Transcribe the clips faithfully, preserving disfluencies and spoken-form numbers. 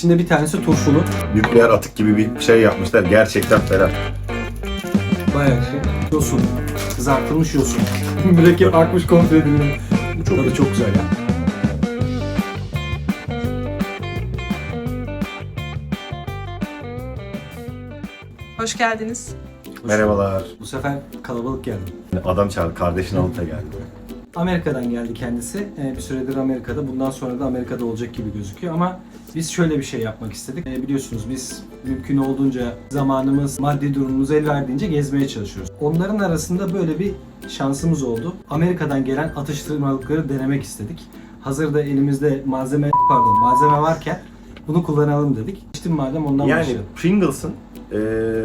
İçinde bir tanesi turşulu. Nükleer atık gibi bir şey yapmışlar. Gerçekten ferah. Bayağı şey. Yosun. Kızartılmış yosun. Mürekkep akmış komple edildi. Bu çok, tadı çok güzel ya. Hoş geldiniz. Merhabalar. Bu sefer kalabalık geldi. Adam çağırdı. Kardeşini alıp da geldi. Amerika'dan geldi kendisi. Ee, bir süredir Amerika'da. Bundan sonra da Amerika'da olacak gibi gözüküyor ama biz şöyle bir şey yapmak istedik. Ee, biliyorsunuz biz mümkün olduğunca zamanımız, maddi durumumuz el verdiğince gezmeye çalışıyoruz. Onların arasında böyle bir şansımız oldu. Amerika'dan gelen atıştırmalıkları denemek istedik. Hazırda elimizde malzeme, pardon malzeme varken bunu kullanalım dedik. İşte madem ondan Yani başlayalım. Pringles'ın e,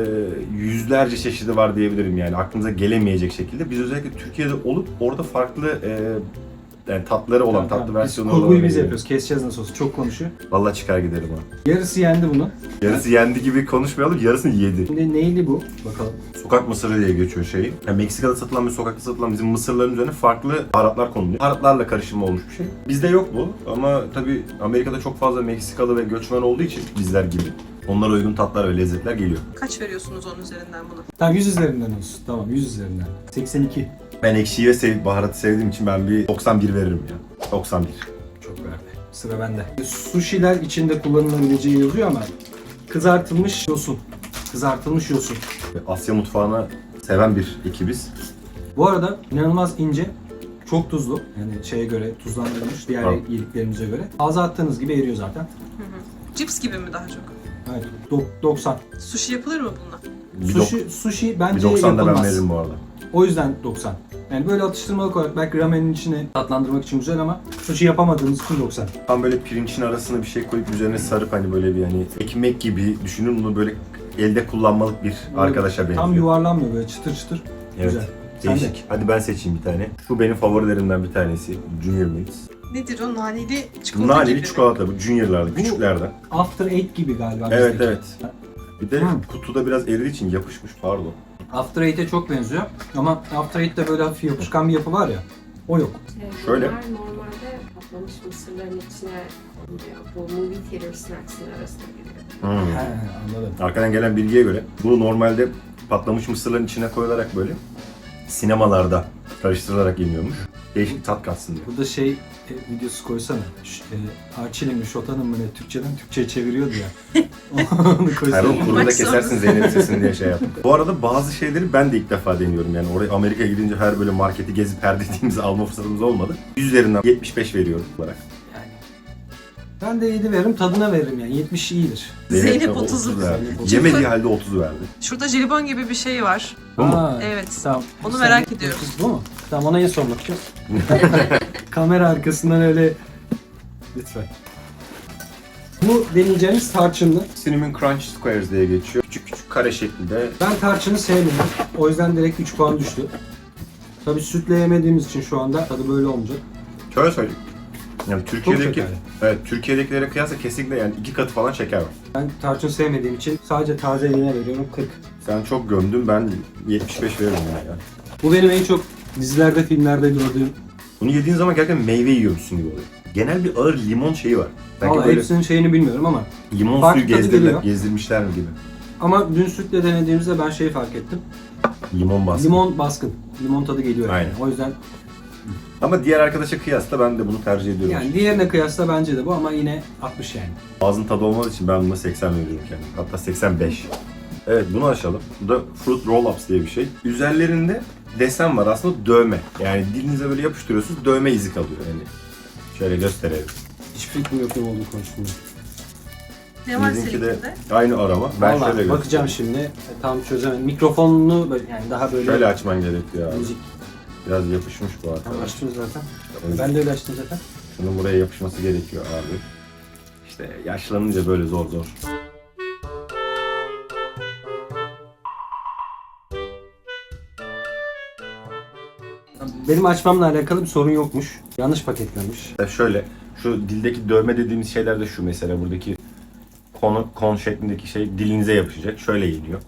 yüzlerce çeşidi var diyebilirim yani aklınıza gelemeyecek şekilde. Biz özellikle Türkiye'de olup orada farklı e, yani tatları olan, Tamam, tatlı tamam. versiyonları Biz olan. kurguyu biz yapıyoruz. Keseceğiz nasıl olsa. Çok konuşuyor. Vallahi çıkar giderim ha. Yarısı yendi bunu. Yarısı yendi gibi konuşmayalım, yarısını yedi. Şimdi neyli bu? Bakalım. Sokak mısırı diye geçiyor şeyi. Yani Meksika'da satılan ve sokakta satılan bizim mısırların üzerine farklı baharatlar konuluyor. Baharatlarla karışımı olmuş bir şey. Bizde yok bu ama tabii Amerika'da çok fazla Meksikalı ve göçmen olduğu için bizler gibi onlara uygun tatlar ve lezzetler geliyor. Kaç veriyorsunuz onun üzerinden buna? Tamam yüz üzerinden olsun. Tamam yüz üzerinden. seksen iki. Ben ekşiyi ve sev baharatı sevdiğim için ben bir doksan bir veririm ya. doksan bir. Çok verdi. Sıra bende. Sushi'ler içinde kullanılabileceği yazıyor ama kızartılmış yosun. Kızartılmış yosun. Asya mutfağını seven bir ekibiz. Bu arada inanılmaz ince. Çok tuzlu. Yani şeye göre tuzlandırılmış diğer Tamam. yediklerimize göre. Ağza attığınız gibi eriyor zaten. Hı hı. Cips gibi mi daha çok? Evet. dok- doksan. Sushi yapılır mı bununla? Bir, dok- Sushi, sushi bir bence doksan da ben yapılmaz. veririm bu arada. O yüzden doksan. Yani böyle atıştırmalık olarak belki ramenin içine tatlandırmak için güzel ama sushi yapamadığımız için doksan. Tam böyle pirinçin arasına bir şey koyup üzerine sarıp hani böyle bir hani ekmek gibi düşünün bunu böyle elde kullanmalık bir arkadaşa benziyor. Tam yuvarlanmıyor böyle çıtır çıtır. Evet. Güzel. Sen Değişik. de. Hadi ben seçeyim bir tane. Şu benim favorilerimden bir tanesi. Junior Mints. Nedir o? Naneli çikolata Naneli gibi mi? çikolata bu Junior'lardan, Bu- küçüklerden. After Eight gibi galiba. Evet bizdeki. evet. Bir de Hmm. kutuda biraz eridiği için yapışmış pardon. After Eight'e çok benziyor ama After Eight'te böyle hafif yapışkan bir yapı var ya. O yok. Ee, Şöyle. Bunlar normalde patlamış mısırların içine konuluyor. Bu movie theater snacks'ın arasında giriyor. Hmm. He, anladım. Arkadan gelen bilgiye göre bu normalde patlamış mısırların içine koyularak böyle sinemalarda karıştırılarak yeniyormuş. Değişik bir tat katsın diye. Burada şey e, videosu koysana. Ş- E, Arçelik'in Şotan'ın mı ne Türkçeden Türkçe'ye çeviriyor ya. Onu koysana. Hayır o kuruda Bak kesersin sonra. Zeynep sesini diye şey yaptım. Bu arada bazı şeyleri ben de ilk defa deniyorum yani oraya Amerika'ya gidince her böyle marketi gezip her dediğimizi alma fırsatımız olmadı. yüz üzerinden yetmiş beş veriyorum olarak. Yani. Ben de yedi veririm, tadına veririm yani. yetmiş iyidir. Zeynep de otuz. verdi. Zeynep otuz. Yemediği halde otuz verdi. Şurada jelibon gibi bir şey var. Bu mu? Aa, Evet. Tamam. Onu Bir merak saniye. ediyorum. Bu mu? Tamam ona en son bakacağız. Kamera arkasından öyle... Lütfen. Bu deneyeceğimiz tarçınlı. Cinnamon Crunch Squares diye geçiyor. Küçük küçük kare şeklinde. Ben tarçını sevmiyorum. O yüzden direkt üç puan düştü. Tabii sütle yemediğimiz için şu anda tadı böyle olmayacak. Şöyle söyleyeyim. Yani Türkiye'deki, şekerli. evet, Türkiye'dekilere kıyasla kesinlikle yani iki katı falan şeker var. Ben tarçın sevmediğim için sadece tazeliğine veriyorum kırk. Sen çok gömdün, ben yetmiş beş veririm yani. ya. Bu benim en çok dizilerde, filmlerde gördüğüm. Bunu yediğin zaman gerçekten meyve yiyormuşsun gibi oluyor. Genel bir ağır limon şeyi var. Belki Valla böyle hepsinin şeyini bilmiyorum ama. limon farklı suyu tadı gezdirdiler, geliyor. gezdirmişler mi gibi. Ama dün sütle denediğimizde ben şeyi fark ettim. Limon baskın. Limon baskın. Limon tadı geliyor. Aynen. Yani. O yüzden Ama diğer arkadaşa kıyasla ben de bunu tercih ediyorum. yani diğerine kıyasla bence de bu ama yine altmış yani. Ağzın tadı olmadığı için ben buna seksen veriyorum kendim. Hatta seksen beş. Evet bunu açalım. Bu da Fruit Roll-Ups diye bir şey. Üzerlerinde desen var aslında dövme. Yani dilinize böyle yapıştırıyorsunuz dövme izi kalıyor yani. Şöyle gösterelim. Hiçbir fikrim yok ne olduğunu konusunda. Ne var Bizimki de seninkinde? aynı arama. Ben Vallahi şöyle bakacağım göstereyim. şimdi. E, tam çözemedim. Mikrofonunu böyle- yani daha böyle Şöyle açman gerekiyor abi. müzik. Biraz yapışmış bu Tamam, arkadaş. açtım zaten. Evet. Ben de öyle açtım zaten. Şunun buraya yapışması gerekiyor abi. İşte yaşlanınca böyle zor zor. Benim açmamla alakalı bir sorun yokmuş. Yanlış paketlenmiş. İşte şöyle, şu dildeki dövme dediğimiz şeyler de şu mesela buradaki kon, kon şeklindeki şey dilinize yapışacak. Şöyle yeniyor.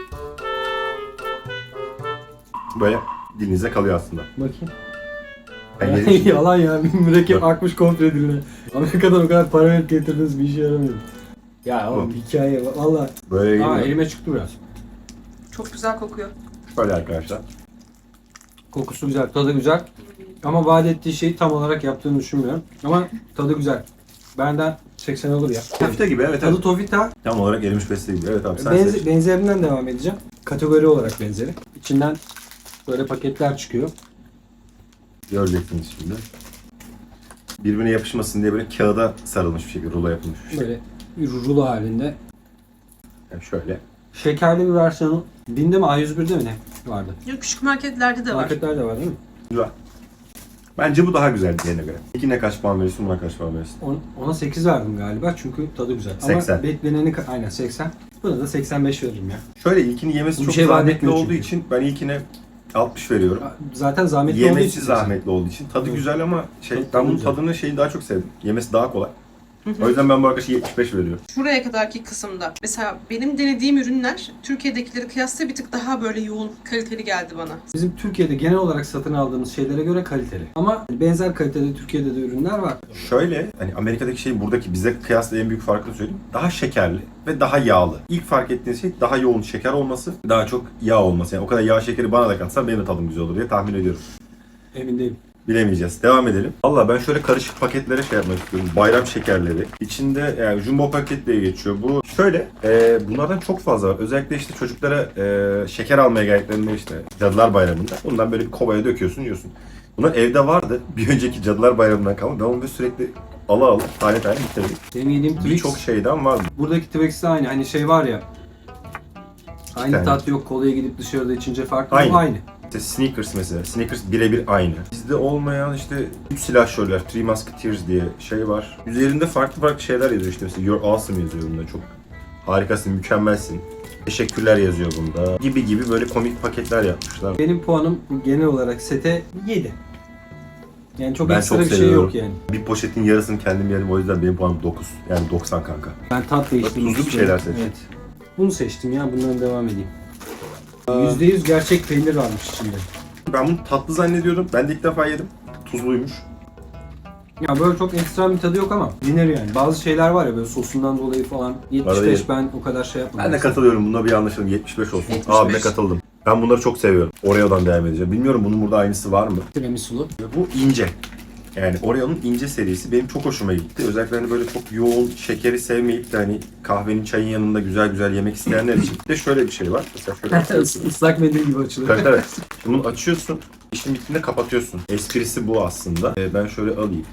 Böyle dilinize kalıyor aslında. Bakayım. Ben yedim. Yalan ya. Bir mürekkep Yok. akmış komple diline. Amerika'dan o kadar para verip getirdiniz bir işe yaramıyor. Ya oğlum hikaye valla. Böyle Aa yiyeyim mi? elime çıktı biraz. Çok güzel kokuyor. Böyle arkadaşlar. Kokusu güzel, tadı güzel. Ama vaat ettiği şeyi tam olarak yaptığını düşünmüyorum. Ama tadı güzel. Benden seksen olur ya. Tofita gibi evet. Tadı evet. Tofita. Tam olarak erimiş beste gibi. Evet abi sen Benze- seç. benzerinden devam edeceğim. Kategori olarak benzeri. İçinden böyle paketler çıkıyor. Göreceksiniz şimdi. Birbirine yapışmasın diye böyle kağıda sarılmış bir şekilde rulo yapılmış bir şey. Böyle bir rulo halinde. Yani şöyle. Şekerli bir versiyonu. Binde mi A yüz birde mi ne vardı? Ya küçük marketlerde de var. Marketler de var değil mi? Güzel. Bence bu daha güzel diğerine göre. İkine kaç puan verirsin, buna kaç puan verirsin? On- Ona sekiz verdim galiba çünkü tadı güzel. seksen. Ama bekleneni ka- aynen seksen. Buna da seksen beş veririm ya. Şöyle ilkini yemesi Bir çok şey vaat zahmetli etmiyor olduğu çünkü. için ben ilkine altmış veriyorum. Zaten zahmetli olduğu Yemesi için. zahmetli olduğu için. Tadı Evet. güzel ama şey Tadı- ben tadı bunun güzel. tadını şeyi daha çok sevdim. Yemesi daha kolay. O yüzden ben bu arkadaşa yetmiş beş veriyorum. Şuraya kadarki kısımda. Mesela benim denediğim ürünler Türkiye'dekileri kıyasla bir tık daha böyle yoğun, kaliteli geldi bana. Bizim Türkiye'de genel olarak satın aldığımız şeylere göre kaliteli. Ama benzer kalitede Türkiye'de de ürünler var. Şöyle hani Amerika'daki şey buradaki bize kıyasla en büyük farkını söyleyeyim. Daha şekerli ve daha yağlı. İlk fark ettiğiniz şey daha yoğun şeker olması, daha çok yağ olması. Yani o kadar yağ şekeri bana da katsan benim de tadım güzel olur diye tahmin ediyorum. Emin değilim. Bilemeyeceğiz. Devam edelim. Valla ben şöyle karışık paketlere şey yapmak istiyorum. Bayram şekerleri. İçinde yani jumbo paket diye geçiyor. Bu şöyle e, bunlardan çok fazla var. Özellikle işte çocuklara e, şeker almaya geldiklerinde işte Cadılar Bayramı'nda bundan böyle bir kovaya döküyorsun yiyorsun. Bunlar evde vardı. Bir önceki Cadılar Bayramı'ndan kalma. Ben onu böyle sürekli ala ala tane tane bitirdim. Benim yediğim Twix, Birçok şeyden vardı. buradaki Twix de aynı. Hani şey var ya. Aynı tane. tat yok. Kolaya gidip dışarıda içince farklı. Aynı. Bu aynı. İşte Snickers mesela. Snickers birebir aynı. Bizde olmayan işte üç silahşörler, Three Musketeers diye şey var. Üzerinde farklı farklı şeyler yazıyor işte mesela You're awesome yazıyor bunda. Çok harikasın, mükemmelsin. Teşekkürler yazıyor bunda. Gibi gibi böyle komik paketler yapmışlar. Benim puanım genel olarak sete yedi. Yani çok Ben ekstra çok bir şey seviyorum. yok yani. Bir poşetin yarısını kendim yerim o yüzden benim puanım dokuz. Yani doksan kanka. Ben tat değiştirmek Tuzlu bir istiyorum. şeyler seçtim. Evet. Bunu seçtim ya. Bundan devam edeyim. yüzde yüz gerçek peynir varmış içinde. Ben bunu tatlı zannediyordum. Ben de ilk defa yedim. Tuzluymuş. Ya böyle çok ekstrem bir tadı yok ama yenir yani. Bazı şeyler var ya böyle sosundan dolayı falan. yetmiş Arada beş yerim. ben o kadar şey yapmadım. Ben de katılıyorum. Bunda bir anlaşalım. yetmiş beş olsun. yetmiş beş. Abime katıldım. Ben bunları çok seviyorum. Oreo'dan devam edeceğim. Bilmiyorum bunun burada aynısı var mı? Tiramisulu. Bu ince. Yani Oreo'nun ince serisi benim çok hoşuma gitti. Özellikle hani böyle çok yoğun şekeri sevmeyip de hani kahvenin çayın yanında güzel güzel yemek isteyenler için. Bir de şöyle bir şey var. Mesela şöyle açıyorsun. Islak mendil gibi açılıyor. Evet, evet. Şimdi bunu açıyorsun. İşin bittiğinde kapatıyorsun. Esprisi bu aslında. Ee, ben şöyle alayım.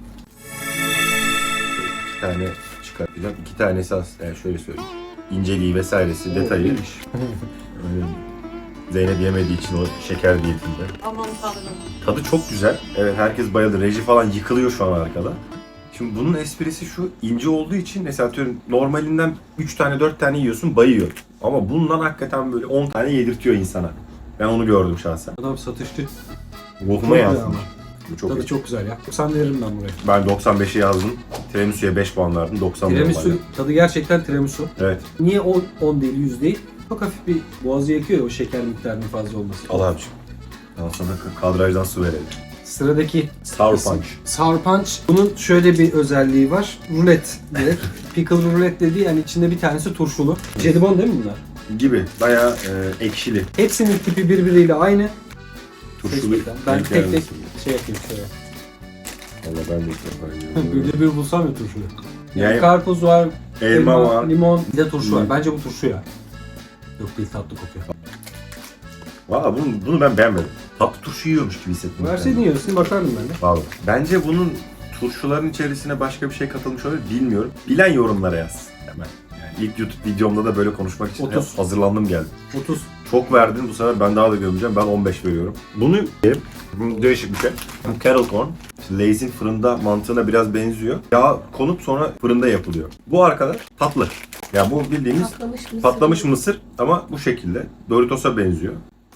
İki tane çıkartacağım. İki tane esas yani şöyle söyleyeyim. İnceliği vesairesi, detayı. Öyle Zeynep yemediği için o şeker diyetinde. Aman tanrım. Tadı çok güzel. Evet herkes bayıldı. Reji falan yıkılıyor şu an arkada. Şimdi bunun esprisi şu, ince olduğu için mesela atıyorum normalinden üç tane dört tane yiyorsun bayıyor. Ama bundan hakikaten böyle on tane yedirtiyor insana. Ben onu gördüm şahsen. Adam satıştı. Ruhuma Çok güzel yazdım. ama. Bu çok Tadı iyi. çok güzel ya. doksan veririm ben buraya. Ben doksan beşi yazdım. Tiramisu'ya beş puan verdim. doksan Tiramisu normalde. tadı gerçekten tiramisu. Evet. Niye on, on değil yüz değil? Çok hafif bir boğazı yakıyor ya o şeker miktarının fazla olması. Al abiciğim. Daha sonra kadrajdan su verelim. Sıradaki Sour Punch. Sour Punch. Bunun şöyle bir özelliği var. Rulet denir. Pickle rulet dediği yani içinde bir tanesi turşulu. Jelibon değil mi bunlar? Gibi. Bayağı e, ekşili. Hepsinin tipi birbiriyle aynı. Turşulu. Seçmekten. Ben denk tek tek gelmesin. şey yapayım şöyle. Valla ben de ilk defa yiyorum. Bir de bir bulsam ya turşuyu. Yani Yani karpuz var, elma var. limon, bir de turşu var. Hı. Bence bu turşu ya. Yok değil tatlı kokuyor. Valla bunu, bunu ben beğenmedim. Tatlı turşu yiyormuş gibi hissettim. Verseydin kendimi. yarısını bakardım ben de. Vallahi. Bence bunun turşuların içerisine başka bir şey katılmış olabilir bilmiyorum. Bilen yorumlara yaz hemen. Yani ilk YouTube videomda da böyle konuşmak için otuz. hazırlandım geldim. otuz. Çok verdin bu sefer ben daha da gömeceğim. Ben on beş veriyorum. Bunu bu değişik bir şey. Bu Kettle Corn. İşte Lay's'in fırında mantığına biraz benziyor. Yağ konup sonra fırında yapılıyor. Bu arkadaş tatlı. Ya bu bildiğimiz Patlamış mısır. patlamış mısır ama bu şekilde. Doritos'a benziyor.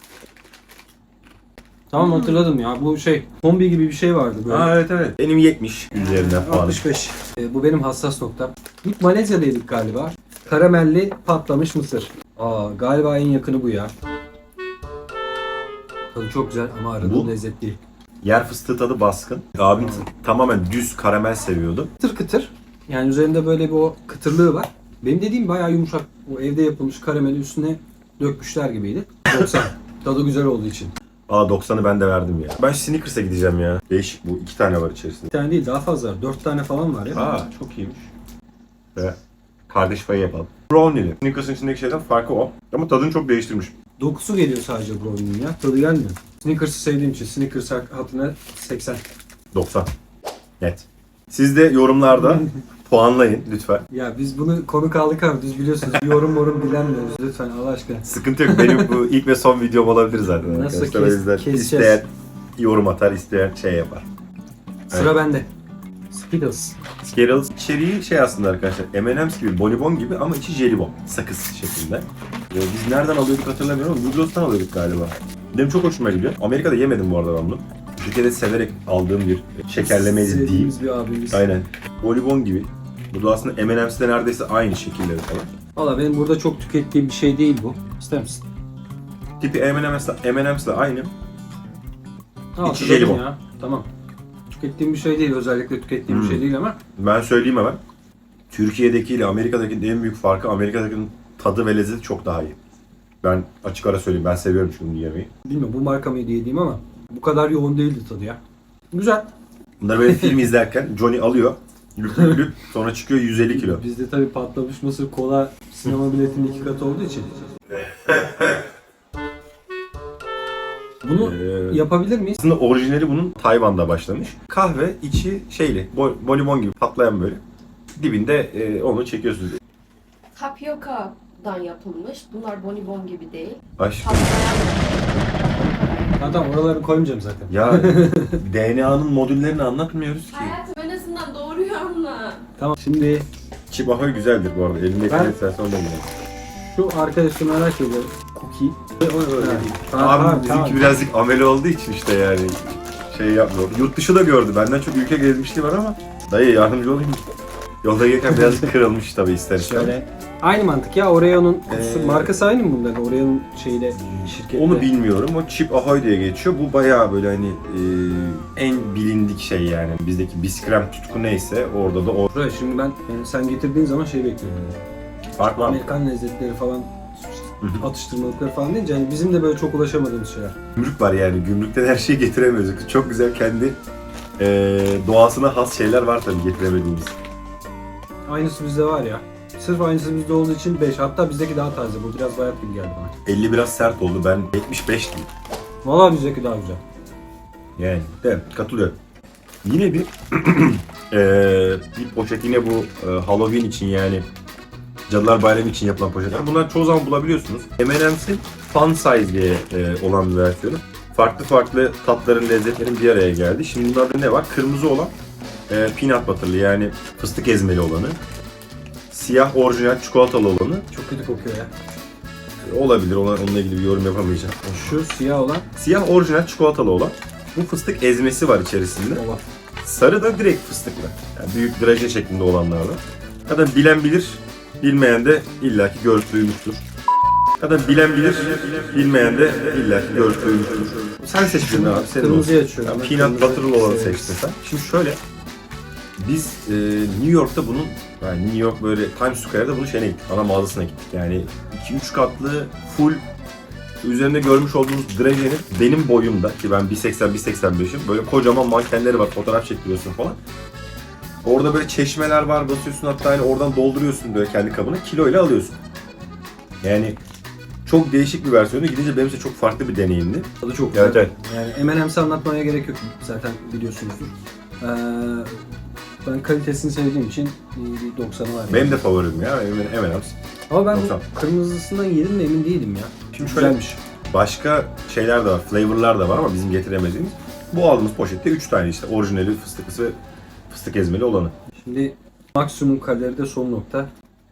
Tamam hatırladım ya. Bu şey kombi gibi bir şey vardı böyle. Aa evet evet. Benim yetmiş üzerinden puanım. altmış beş. Ee, bu benim hassas noktam. İlk Malezya'daydık galiba. Karamelli patlamış mısır. Aa galiba en yakını bu ya. Tadı çok güzel ama aradığım Bu- lezzet değil. Yer fıstığı tadı baskın. Abim tamamen düz karamel seviyordu. Kıtır kıtır. Yani üzerinde böyle bir o kıtırlığı var. Benim dediğim bayağı yumuşak. O evde yapılmış karameli üstüne dökmüşler gibiydi. doksan. Tadı güzel olduğu için. Aa doksanı ben de verdim ya. Ben Snickers'a gideceğim ya. Değişik bu. iki tane var içerisinde. Bir tane değil daha fazla var. Dört tane falan var ya. Aa çok iyiymiş. Ve kardeş payı yapalım. Brownie'li. Snickers'ın içindeki şeyden farkı o. Ama tadını çok değiştirmiş. Dokusu geliyor sadece brownie'nin ya. Tadı gelmiyor. Snickers'ı sevdiğim için Snickers hatına seksen. doksan. Net. Siz de yorumlarda puanlayın lütfen. Ya biz bunu konuk aldık abi. Biz biliyorsunuz bir yorum yorum bilenmiyoruz. Lütfen Allah aşkına. Sıkıntı yok. Benim bu ilk ve son videom olabilir zaten. Nasıl arkadaşlar. kes- O yüzden keseceğiz? isteyen yorum atar, isteyen şey yapar. Sıra bende. Skittles. Skittles içeriği şey aslında arkadaşlar, M and M's gibi, bonibon gibi ama içi jelibon, sakız şeklinde. Ee, biz nereden alıyorduk hatırlamıyorum ama Migros'tan alıyorduk galiba. Benim çok hoşuma gidiyor. Amerika'da yemedim bu arada ben bunu. Türkiye'de severek aldığım bir şekerlemeydi diyeyim. Sevdiğimiz bir abimiz. Aynen. Bonibon gibi. Bu da aslında M and M's de neredeyse aynı şekilleri falan. Valla benim burada çok tükettiğim bir şey değil bu. İster misin? Tipi M and M's M and M's aynı. Al, İçi şurada jelibon. ya. Tamam. Tükettiğim bir şey değil. Özellikle tükettiğim bir Hmm. şey değil ama. Ben söyleyeyim hemen. Türkiye'deki ile Amerika'dakinin en büyük farkı, Amerika'dakinin tadı ve lezzeti çok daha iyi. Ben açık ara söyleyeyim, ben seviyorum çünkü bunu yemeyi. Bilmiyorum bu marka mıydı yediğim ama bu kadar yoğun değildi tadı ya. Güzel. Bunları böyle film izlerken Johnny alıyor, lüp lüp lüp, sonra çıkıyor yüz elli kilo. Bizde tabii patlamış mısır kola sinema biletinin iki katı olduğu için. Bunu Ee, yapabilir miyiz? Aslında orijinali bunun Tayvan'da başlamış. Kahve içi şeyli, bo- bonibon gibi patlayan böyle. Dibinde e, onu çekiyorsunuz. Tapiocadan yapılmış. Bunlar bonibon gibi değil. Aş Patlayan. Ha, tamam oraları koymayacağım zaten. ya D N A'nın modüllerini anlatmıyoruz ki. Hayatım en azından doğruyu anla. Tamam şimdi Chip Ahoy güzeldir bu arada. Elinde Ben- ben... istersen ondan yiyelim. şu arkadaşı merak ediyorum. Cookie. Öyle Ha. değil. Tamam, Abi tamam, bizimki tamam. birazcık ameli olduğu için işte yani şey yapmıyor. Yurt dışı da gördü. Benden çok ülke gezmişliği var ama dayı yardımcı olayım mı? Yolda gelirken birazcık kırılmış tabii ister istemez. Şöyle. Aynı mantık ya Oreo'nun kutusu, Ee, markası aynı mı bunların? Oreo'nun şeyle şirketle. Onu bilmiyorum. O Chip Ahoy diye geçiyor. Bu bayağı böyle hani e, en bilindik şey yani. Bizdeki biskrem tutku neyse orada da o. Şuraya şimdi ben yani sen getirdiğin zaman şey bekliyorum. Fark var mı? Amerikan lezzetleri falan Hı hı. atıştırmalıkları falan deyince yani bizim de böyle çok ulaşamadığımız şeyler. Gümrük var yani. Gümrükten her şeyi getiremiyoruz. Çok güzel kendi e, doğasına has şeyler var tabii getiremediğimiz. Aynısı bizde var ya. Sırf aynısı bizde olduğu için beş. Hatta bizdeki daha taze. Bu biraz bayat gibi geldi bana. elli biraz sert oldu. Ben yetmiş beş diyeyim. Vallahi bizdeki daha güzel. Yani de katılıyorum. Yine bir eee bir poşet yine bu e, Halloween için yani Cadılar Bayramı için yapılan poşetler. Bunlar çoğu zaman bulabiliyorsunuz. M and M's'in Fun Size diye e, olan bir versiyonu. Farklı farklı tatların, lezzetlerin bir araya geldi. Şimdi bunlarda ne var? Kırmızı olan e, peanut butter'lı yani fıstık ezmeli olanı. Siyah orijinal çikolatalı olanı. Çok kötü kokuyor ya. Olabilir, ona, onunla ilgili bir yorum yapamayacağım. Şu siyah olan Siyah orijinal çikolatalı olan. Bu fıstık ezmesi var içerisinde. ola. Sarı da direkt fıstıklı. Yani büyük draje şeklinde olanlardan. Zaten bilen bilir, bilmeyen de illaki görüp duymuştur. Zaten bilen bilir, bilmeyen de illaki görüp duymuştur. Sen seç birini abi, senin Kırmızıyı olsun. açıyorum. Yani Ben peanut kırmızı butter'lı olanı seviyorum. seçtin sen. Şimdi şöyle, biz e, New York'ta bunun, yani New York böyle Times Square'da bunun şeyine gittik, ana mağazasına gittik. Yani iki üç katlı, full, üzerinde görmüş olduğunuz drajenin benim boyumda, ki ben bir seksen bir seksen beşim, böyle kocaman mankenleri var, fotoğraf çektiriyorsun falan. Orada böyle çeşmeler var, basıyorsun hatta hani oradan dolduruyorsun böyle kendi kabına, kiloyla alıyorsun. Yani çok değişik bir versiyonu, gidince benim için çok farklı bir deneyimdi. Tadı çok güzel. Evet, evet. Yani M and M's'i anlatmaya gerek yok zaten biliyorsunuzdur. Ee, ben kalitesini sevdiğim için bir doksanı var. Benim de favorim ya, M and M's. Ama ben doksan. bu kırmızısından yedim mi emin değilim ya. Şimdi şöyle, Güzelmiş. başka şeyler de var, flavorlar da var ama bizim getiremediğimiz. Bu aldığımız poşette üç tane işte, orijinali, fıstıklısı ve fıstık ezmeli olanı. Şimdi maksimum kaloride son nokta.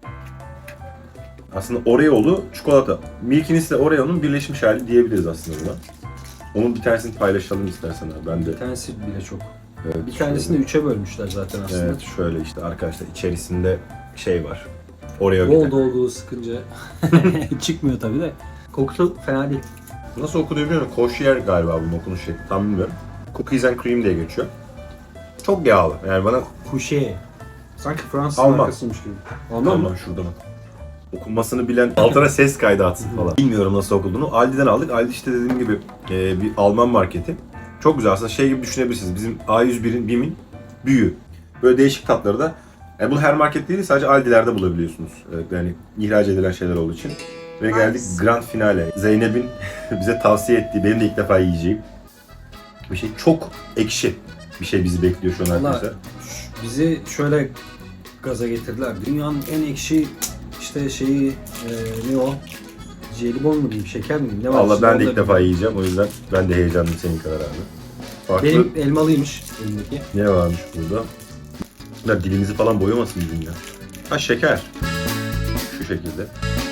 Aslında Oreo'lu çikolata. Milky'nin ile Oreo'nun birleşmiş hali diyebiliriz aslında buna. Onun bir tanesini paylaşalım istersen abi. Ben de. Bir tanesi bile çok. Evet, Bir tanesini üçe bölmüşler zaten şöyle, aslında. evet şöyle işte arkadaşlar içerisinde şey var. Oreo Bol gibi. dolgulu sıkınca çıkmıyor tabii de. Kokusu fena değil. Nasıl okunuyor bilmiyorum. Koşiyer galiba bunun okunuş şekli. Tam bilmiyorum. Cookies and cream diye geçiyor. Çok yağlı. Yani bana Kuşe. Sanki Fransız Alman. markasıymış gibi. Alman mı? Alman şurada bak. Okunmasını bilen altına ses kaydı atsın falan. Bilmiyorum nasıl okunduğunu. Aldi'den aldık. Aldi işte dediğim gibi e, bir Alman marketi. Çok güzel aslında şey gibi düşünebilirsiniz. Bizim A yüz birin BİM'in büyüğü. Böyle değişik tatları da. Yani bunu her market değil sadece Aldi'lerde bulabiliyorsunuz. Evet, yani ihraç edilen şeyler olduğu için. Ve geldik grand finale. Zeynep'in bize tavsiye ettiği, benim de ilk defa yiyeceğim bir şey. Çok ekşi bir şey bizi bekliyor şu an Vallahi arkadaşlar. bizi şöyle gaza getirdiler. Dünyanın en ekşi işte şeyi e, ne o? Jelibon mu diyeyim, şeker mi diyeyim? Ne var? Valla içinde ben de onu ilk da defa yiyeceğim. O yüzden ben de heyecanlıyım senin kadar abi. Farklı Benim elmalıymış elimdeki. ne varmış burada? Ya dilimizi falan boyamasın bizim ya. Ha şeker. Şu şekilde.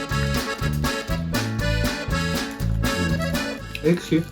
Ekşi.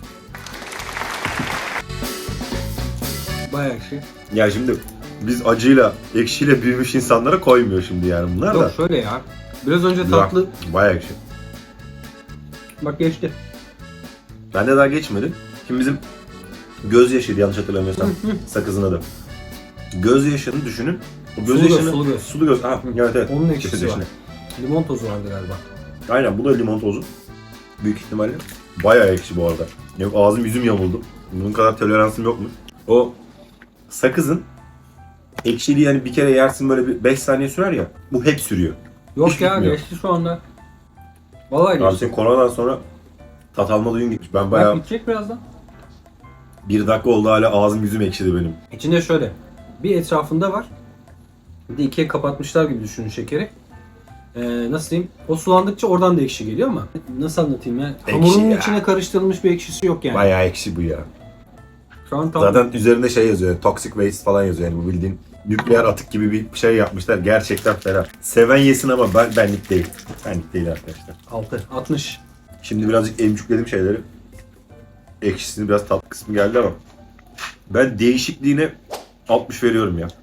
Bayağı ekşi. Ya şimdi biz acıyla, ekşiyle büyümüş insanlara koymuyor şimdi yani bunlar da. Yok şöyle ya. Biraz önce Güzel. tatlı. Bayağı ekşi. Bak geçti. Bende daha geçmedi. Şimdi bizim gözyaşıydı yanlış hatırlamıyorsam sakızın adı. Gözyaşını düşünün. O Sulu gözyaşını... göz, sulu göz. Sulu göz. Ha, evet evet. Onun ekşisi var. Gözyaşını. Limon tozu vardı galiba. Aynen bu da limon tozu. Büyük ihtimalle. Bayağı ekşi bu arada. Yok ağzım yüzüm yamuldu. Bunun kadar toleransım yok mu? O sakızın ekşiliği yani bir kere yersin böyle bir beş saniye sürer ya. Bu hep sürüyor. Yok Hiç ya bitmiyor. geçti şu anda. Vallahi Abi geçti. senin koronadan sonra tat alma duyun gitmiş. Ben Bak bayağı bitecek birazdan. bir dakika oldu hala ağzım yüzüm ekşidi benim. İçinde şöyle. Bir etrafında var. Bir de ikiye kapatmışlar gibi düşünün şekeri. Ee, nasıl diyeyim? O sulandıkça oradan da ekşi geliyor ama nasıl anlatayım ya? Hamurun ya. içine karıştırılmış bir ekşisi yok yani. Bayağı ekşi bu ya. Şu an tam Zaten üzerinde şey yazıyor, toxic waste falan yazıyor yani bu bildiğin nükleer atık gibi bir şey yapmışlar. Gerçekten fena. Seven yesin ama ben benlik değil. Benlik değil arkadaşlar. altı. altmış. Şimdi birazcık emcükledim şeyleri. Ekşisini biraz tatlı kısmı geldi ama ben değişikliğine altmış veriyorum ya.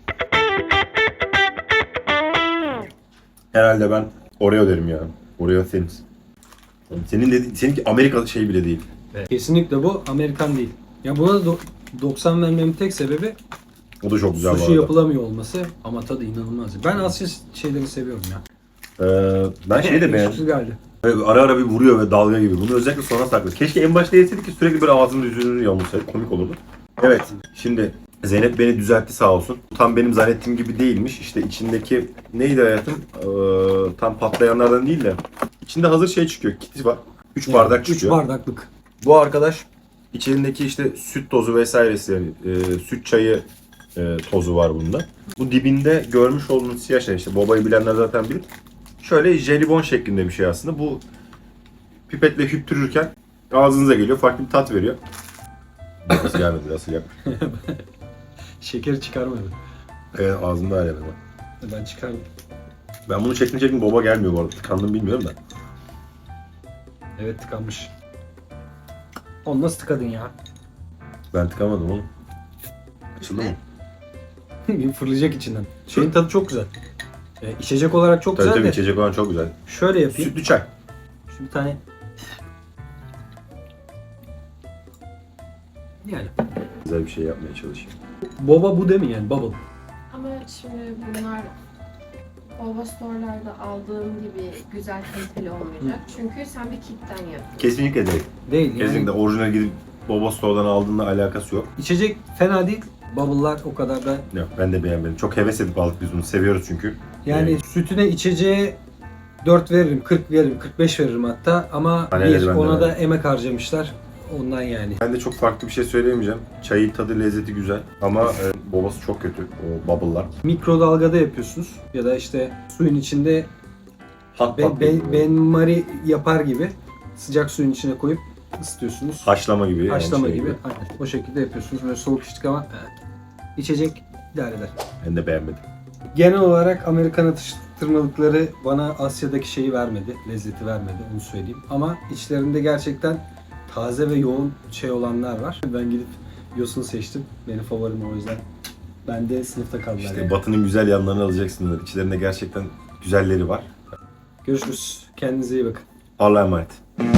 Herhalde ben Oreo derim ya. Oreo Thins. Senin dediğin, seninki Amerika şey bile değil. Kesinlikle bu Amerikan değil. Ya buna da do- doksan vermemin tek sebebi O da çok güzel bu sushi arada. yapılamıyor olması ama tadı inanılmaz. Ben Asya şeyleri seviyorum ya. Ee, ben şeyi de beğendim. Ekşisi geldi. Böyle ara ara bir vuruyor ve dalga gibi. Bunu özellikle sonra sakladı. Keşke en başta yeseydik ki sürekli böyle ağzının yüzünü yamulsaydı. Komik olurdu. Evet. Şimdi Zeynep beni düzeltti sağ olsun. Tam benim zannettiğim gibi değilmiş. İşte içindeki neydi hayatım? Ee, tam patlayanlardan değil de. İçinde hazır şey çıkıyor. Kiti var. üç bardak üç çıkıyor. bardaklık. Bu arkadaş içindeki işte süt tozu vesairesi yani e, süt çayı e, tozu var bunda. Bu dibinde görmüş olduğunuz siyah şey işte Boba'yı bilenler zaten bilir. Şöyle jelibon şeklinde bir şey aslında. Bu pipetle hüptürürken ağzınıza geliyor. Farklı bir tat veriyor. Nasıl gelmedi? Nasıl yapmış? Şekeri çıkarmadı. Evet ağzımda hala var. Ben çıkardım. Ben bunu çektim çektim Boba gelmiyor bu arada. Tıkandım bilmiyorum da. Evet tıkanmış. Onu nasıl tıkadın ya? Ben tıkamadım oğlum. Açıldı mı? Fırlayacak içinden. Şeyin tadı çok güzel. Ee, içecek olarak çok Tabii güzel tabii de içecek olan çok güzel. şöyle yapayım. Sütlü çay. Şu bir tane. Yani. Güzel bir şey yapmaya çalışıyor. Boba bu değil mi yani? Bubble. Ama şimdi bunlar Baba Store'larda aldığım gibi güzel kaliteli olmayacak. Çünkü sen bir kitten yaptın. Kesinlikle değil. Değil yani. Kesinlikle orijinal gidip Boba Store'dan aldığında alakası yok. İçecek fena değil. Bubble'lar o kadar da. Yok ben de beğenmedim. Çok heves edip aldık biz bunu. Seviyoruz çünkü. Yani Evet. sütüne içeceğe dört veririm, kırk veririm, kırk beş veririm hatta ama Hani evet, bir ben de ona da verdim. emek harcamışlar. Ondan yani. Ben de çok farklı bir şey söyleyemeyeceğim. Çayın tadı, lezzeti güzel ama e, bobası çok kötü. O bubble'lar. Mikrodalgada yapıyorsunuz ya da işte suyun içinde Hot ben, pot ben, gibi. benmari yapar gibi sıcak suyun içine koyup ısıtıyorsunuz. Haşlama gibi. yani Haşlama şey gibi. Aynen. O şekilde yapıyorsunuz. Böyle soğuk içtik ama evet. içecek idare eder. Ben de beğenmedim. Genel olarak Amerikan atıştırmalıkları bana Asya'daki şeyi vermedi, lezzeti vermedi onu söyleyeyim. Ama içlerinde gerçekten taze ve yoğun şey olanlar var. Ben gidip yosun seçtim. Benim favorim o yüzden. Ben de sınıfta kaldılar. İşte yani. Batı'nın güzel yanlarını alacaksınız. İçlerinde gerçekten güzelleri var. Görüşürüz. Kendinize iyi bakın. Allah'a emanet.